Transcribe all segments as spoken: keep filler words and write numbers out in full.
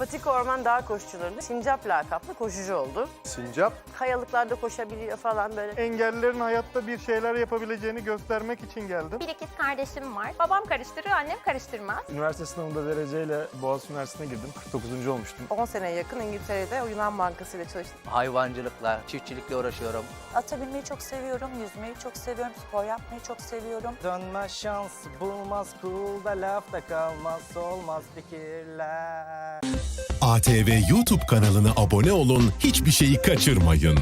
Patika Orman Dağ Koşucuları'nda Sincap lakaplı koşucu oldu. Sincap, Kayalıklarda koşabiliyor falan böyle. engellilerin hayatta bir şeyler yapabileceğini göstermek için geldim. Bir ikiz kardeşim var. Babam karıştırıyor, annem karıştırmaz. Üniversite sınavında dereceyle Boğaziçi Üniversitesi'ne girdim. kırk dokuzuncu olmuştum. on seneye yakın İngiltere'de o Yunan Bankası ile çalıştım. Hayvancılıkla, çiftçilikle uğraşıyorum. Ata binmeyi çok seviyorum, yüzmeyi çok seviyorum, spor yapmayı çok seviyorum. Dönmez şans bulmaz kulda lafta kalmaz olmaz fikirler. A T V YouTube kanalına abone olun, hiçbir şeyi kaçırmayın.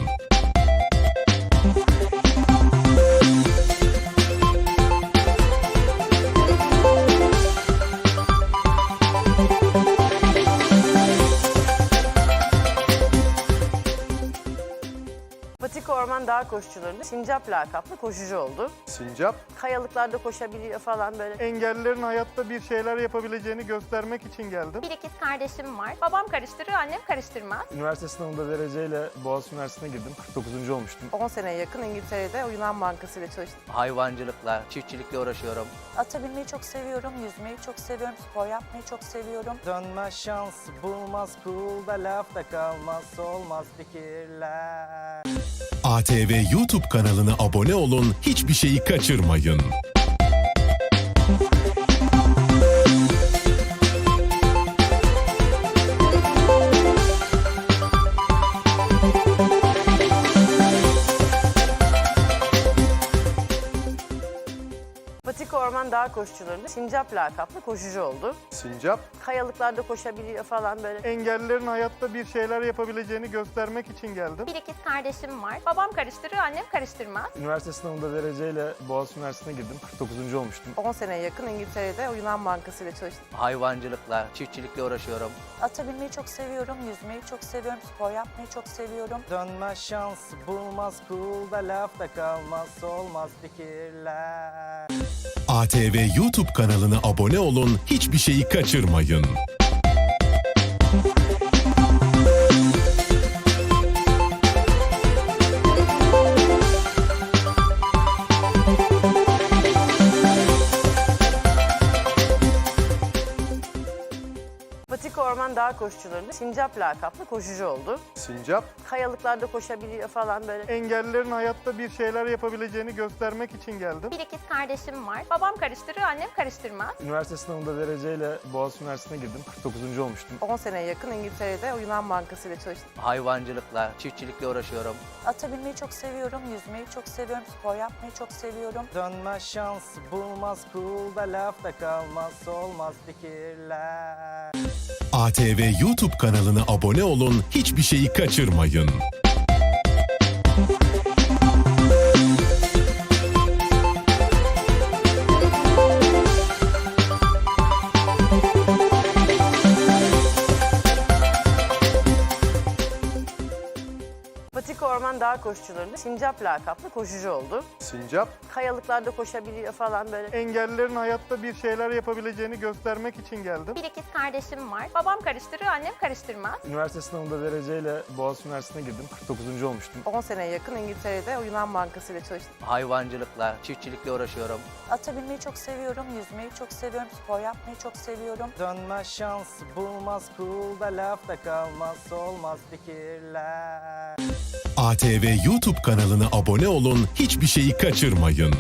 Patika Orman Dağ Koşucuları'nda Sincap lakaplı koşucu oldu. Sincap, Kayalıklarda koşabiliyor falan böyle. engellilerin hayatta bir şeyler yapabileceğini göstermek için geldim. Bir ikiz kardeşim var. Babam karıştırıyor, annem karıştırmaz. Üniversite sınavında dereceyle Boğaziçi Üniversitesi'ne girdim. kırk dokuzuncu olmuştum. on seneye yakın İngiltere'de o Yunan Bankası ile çalıştım. Hayvancılıkla, çiftçilikle uğraşıyorum. Ata binmeyi çok seviyorum, yüzmeyi çok seviyorum, spor yapmayı çok seviyorum. Dönmez şans bulmaz kulda lafta kalmaz olmaz fikirler. A T V YouTube kanalına abone olun, hiçbir şeyi kaçırmayın. Patika Orman Dağ Koşucuları'nda Sincap lakaplı koşucu oldu. Sincap, Kayalıklarda koşabiliyor falan böyle. engellilerin hayatta bir şeyler yapabileceğini göstermek için geldim. Bir ikiz kardeşim var. Babam karıştırıyor, annem karıştırmaz. Üniversite sınavında dereceyle Boğaziçi Üniversitesi'ne girdim. kırk dokuzuncu olmuştum. on seneye yakın İngiltere'de o Yunan Bankası ile çalıştım. Hayvancılıkla, çiftçilikle uğraşıyorum. Ata binmeyi çok seviyorum, yüzmeyi çok seviyorum, spor yapmayı çok seviyorum. Dönmez şans bulmaz kulda lafta kalmaz olmaz fikirler. A T V YouTube kanalına abone olun, hiçbir şeyi kaçırmayın. Patika Orman Dağ Koşucuları'nda Sincap lakaplı koşucu oldu. Sincap, Kayalıklarda koşabiliyor falan böyle. engellilerin hayatta bir şeyler yapabileceğini göstermek için geldim. Bir ikiz kardeşim var. Babam karıştırıyor, annem karıştırmaz. Üniversite sınavında dereceyle Boğaziçi Üniversitesi'ne girdim. kırk dokuzuncu olmuştum. on seneye yakın İngiltere'de o Yunan Bankası ile çalıştım. Hayvancılıkla, çiftçilikle uğraşıyorum. Ata binmeyi çok seviyorum, yüzmeyi çok seviyorum, spor yapmayı çok seviyorum. Dönmez şans bulmaz kulda lafta kalmaz olmaz fikirler. A T V YouTube kanalına abone olun, hiçbir şeyi kaçırmayın. Patika Orman Dağ Koşucuları'nda Sincap lakaplı koşucu oldu. Sincap, Kayalıklarda koşabiliyor falan böyle. engellilerin hayatta bir şeyler yapabileceğini göstermek için geldim. Bir ikiz kardeşim var. Babam karıştırıyor, annem karıştırmaz. Üniversite sınavında dereceyle Boğaziçi Üniversitesi'ne girdim. kırk dokuzuncu olmuştum. on seneye yakın İngiltere'de o Yunan Bankası ile çalıştım. Hayvancılıkla, çiftçilikle uğraşıyorum. Ata binmeyi çok seviyorum, yüzmeyi çok seviyorum, spor yapmayı çok seviyorum. Dönmez şans bulmaz kulda lafta kalmaz olmaz fikirler. A T V YouTube kanalına abone olun, hiçbir şeyi kaçırmayın.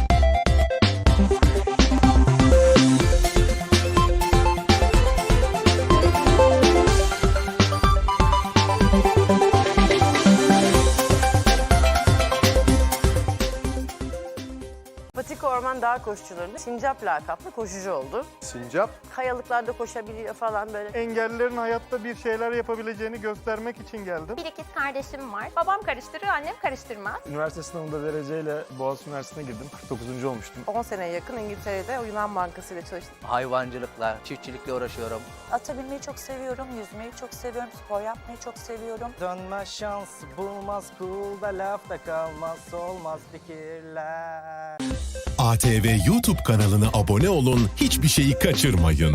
Patika Orman Dağ Koşucuları'nda Sincap lakaplı koşucu oldu. Sincap, Kayalıklarda koşabiliyor falan böyle. engellilerin hayatta bir şeyler yapabileceğini göstermek için geldim. Bir ikiz kardeşim var. Babam karıştırıyor, annem karıştırmaz. Üniversite sınavında dereceyle Boğaziçi Üniversitesi'ne girdim. kırk dokuzuncu olmuştum. on seneye yakın İngiltere'de o Yunan Bankası ile çalıştım. Hayvancılıkla, çiftçilikle uğraşıyorum. Ata binmeyi çok seviyorum, yüzmeyi çok seviyorum, spor yapmayı çok seviyorum. Dönmez şans bulmaz kulda lafta kalmaz olmaz fikirler. A T V YouTube kanalına abone olun, hiçbir şeyi kaçırmayın.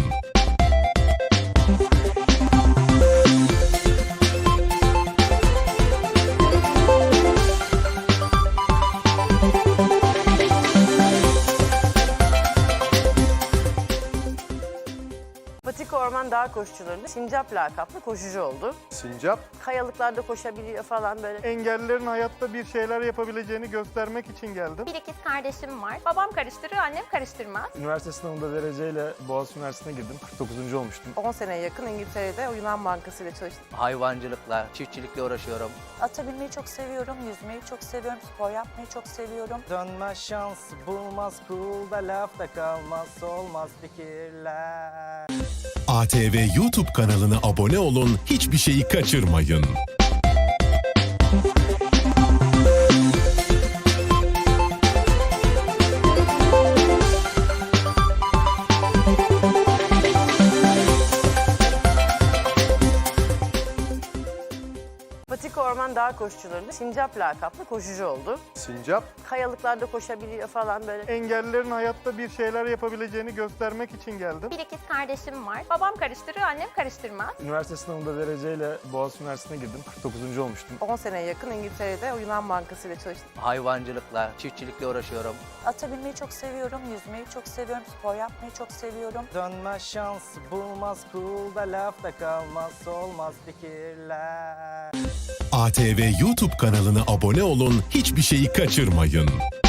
Patika Orman Dağ koşucularında Sincap lakaplı koşucu oldu. Sincap, Kayalıklarda koşabiliyor falan böyle. engellilerin hayatta bir şeyler yapabileceğini göstermek için geldim. Bir ikiz kardeşim var. Babam karıştırır, annem karıştırmaz. Üniversite sınavında dereceyle Boğaziçi Üniversitesi'ne girdim. kırk dokuzuncu olmuştum. on seneye yakın İngiltere'de o Yunan Bankası ile çalıştım. Hayvancılıkla, çiftçilikle uğraşıyorum. Ata binmeyi çok seviyorum, yüzmeyi çok seviyorum, spor yapmayı çok seviyorum. Dönmez şans bulmaz kulda lafta kalmaz olmaz fikirler. A T V YouTube kanalına abone olun, hiçbir şeyi kaçırmayın. Patika Orman Dağ koşucularında Sincap lakaplı koşucu oldu. Sincap, Kayalıklarda koşabiliyor falan böyle. engellilerin hayatta bir şeyler yapabileceğini göstermek için geldim. Bir ikiz kardeşim var. Babam karıştırır, annem karıştırmaz. Üniversite sınavında dereceyle Boğaziçi Üniversitesi'ne girdim. kırk dokuzuncu olmuştum. on seneye yakın İngiltere'de o Yunan Bankası ile çalıştım. Hayvancılıkla, çiftçilikle uğraşıyorum. Ata binmeyi çok seviyorum, yüzmeyi çok seviyorum, spor yapmayı çok seviyorum. Dönmez şans bulmaz kulda lafta kalmaz olmaz fikirler. A T V YouTube kanalına abone olun, hiçbir şeyi kaçırmayın.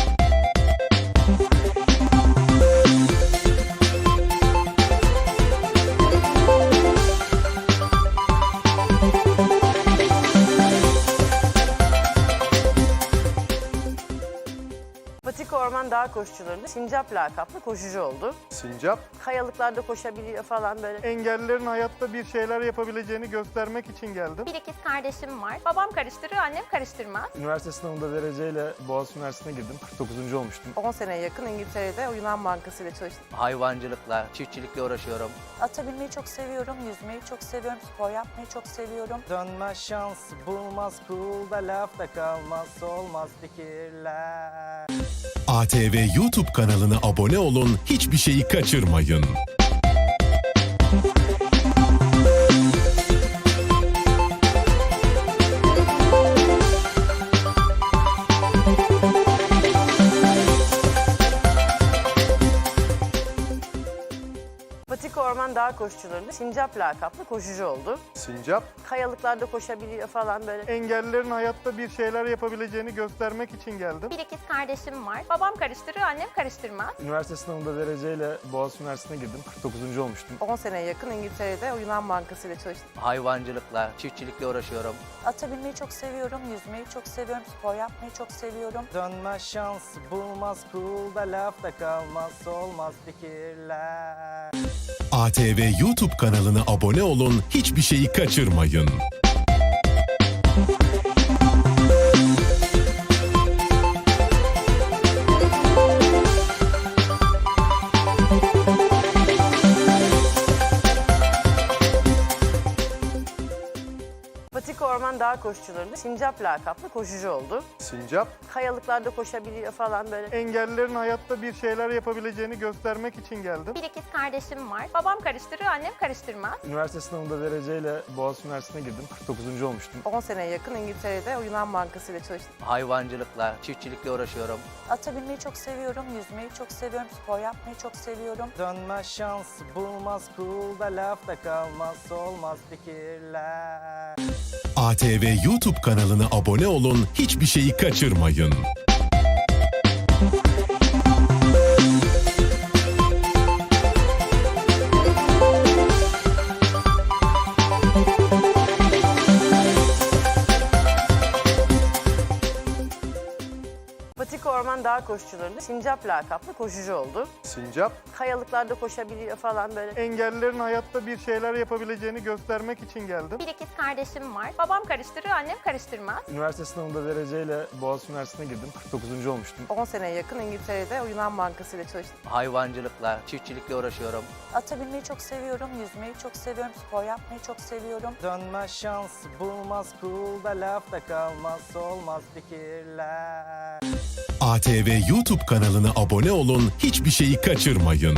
Patika Orman Dağ koşucularında Sincap lakaplı koşucu oldu. Sincap, Kayalıklarda koşabiliyor falan böyle. engellilerin hayatta bir şeyler yapabileceğini göstermek için geldim. Bir ikiz kardeşim var. Babam karıştırır, annem karıştırmaz. Üniversite sınavında dereceyle Boğaziçi Üniversitesi'ne girdim. kırk dokuzuncu olmuştum. on seneye yakın İngiltere'de o Yunan Bankası ile çalıştım. Hayvancılıkla, çiftçilikle uğraşıyorum. Ata binmeyi çok seviyorum, yüzmeyi çok seviyorum, spor yapmayı çok seviyorum. Dönmez şans bulmaz kulda lafta kalmaz olmaz fikirler. A T V YouTube kanalına abone olun, hiçbir şeyi kaçırmayın. Patika Orman Dağ koşucularında Sincap lakaplı koşucu oldu. Sincap, Kayalıklarda koşabiliyor falan böyle. engellilerin hayatta bir şeyler yapabileceğini göstermek için geldim. Bir ikiz kardeşim var. Babam karıştırır, annem karıştırmaz. Üniversite sınavında dereceyle Boğaziçi Üniversitesi'ne girdim. kırk dokuzuncu olmuştum. on seneye yakın İngiltere'de o Yunan Bankası ile çalıştım. Hayvancılıkla, çiftçilikle uğraşıyorum. Ata binmeyi çok seviyorum, yüzmeyi çok seviyorum, spor yapmayı çok seviyorum. Dönmez şans bulmaz kulda lafta kalmaz olmaz fikirler. A T V YouTube kanalına abone olun, hiçbir şeyi kaçırmayın. Patika Orman Dağ koşucularında Sincap lakaplı koşucu oldu. Sincap, Kayalıklarda koşabiliyor falan böyle. engellilerin hayatta bir şeyler yapabileceğini göstermek için geldim. Bir ikiz kardeşim var. Babam karıştırır, annem karıştırmaz. Üniversite sınavında dereceyle Boğaziçi Üniversitesi'ne girdim. kırk dokuzuncu olmuştum. on seneye yakın İngiltere'de o Yunan Bankası ile çalıştım. Hayvancılıkla, çiftçilikle uğraşıyorum. Ata binmeyi çok seviyorum, yüzmeyi çok seviyorum, spor yapmayı çok seviyorum. Dönmez şans bulmaz kulda lafta kalmaz olmaz fikirler. A T V YouTube kanalına abone olun, hiçbir şeyi kaçırmayın. Patika Orman Dağ koşucularında Sincap lakaplı koşucu oldu. Sincap, Kayalıklarda koşabiliyor falan böyle. engellilerin hayatta bir şeyler yapabileceğini göstermek için geldim. Bir ikiz kardeşim var. Babam karıştırır, annem karıştırmaz. Üniversite sınavında dereceyle Boğaziçi Üniversitesi'ne girdim. kırk dokuzuncu olmuştum. on seneye yakın İngiltere'de o Yunan Bankası ile çalıştım. Hayvancılıkla, çiftçilikle uğraşıyorum. Ata binmeyi çok seviyorum, yüzmeyi çok seviyorum, spor yapmayı çok seviyorum. Dönmez şans bulmaz kulda lafta kalmaz olmaz fikirler. A T V YouTube kanalına abone olun, hiçbir şeyi kaçırmayın.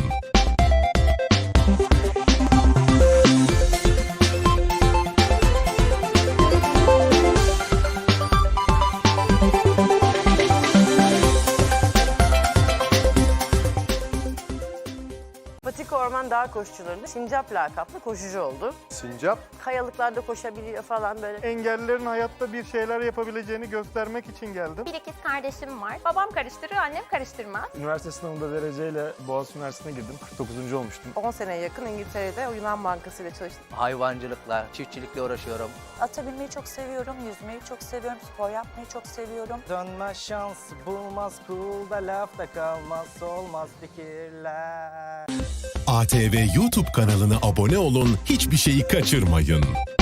Patika Orman Dağ dağ koşucularında Sincap lakaplı koşucu oldu. Sincap. Kayalıklarda koşabiliyor falan böyle. Engellilerin hayatta bir şeyler yapabileceğini göstermek için geldim. Bir ikiz kardeşim var. Babam karıştırır, annem karıştırmaz. Üniversite sınavında dereceyle Boğaziçi Üniversitesi'ne girdim. kırk dokuzuncu olmuştum. on seneye yakın İngiltere'de o Yunan Bankası ile çalıştım. Hayvancılıkla, çiftçilikle uğraşıyorum. Ata binmeyi çok seviyorum, yüzmeyi çok seviyorum, spor yapmayı çok seviyorum. Dönmez şans bulmaz kulda lafta kalmaz olmaz fikirler. A T V YouTube kanalına abone olun, hiçbir şeyi kaçırmayın.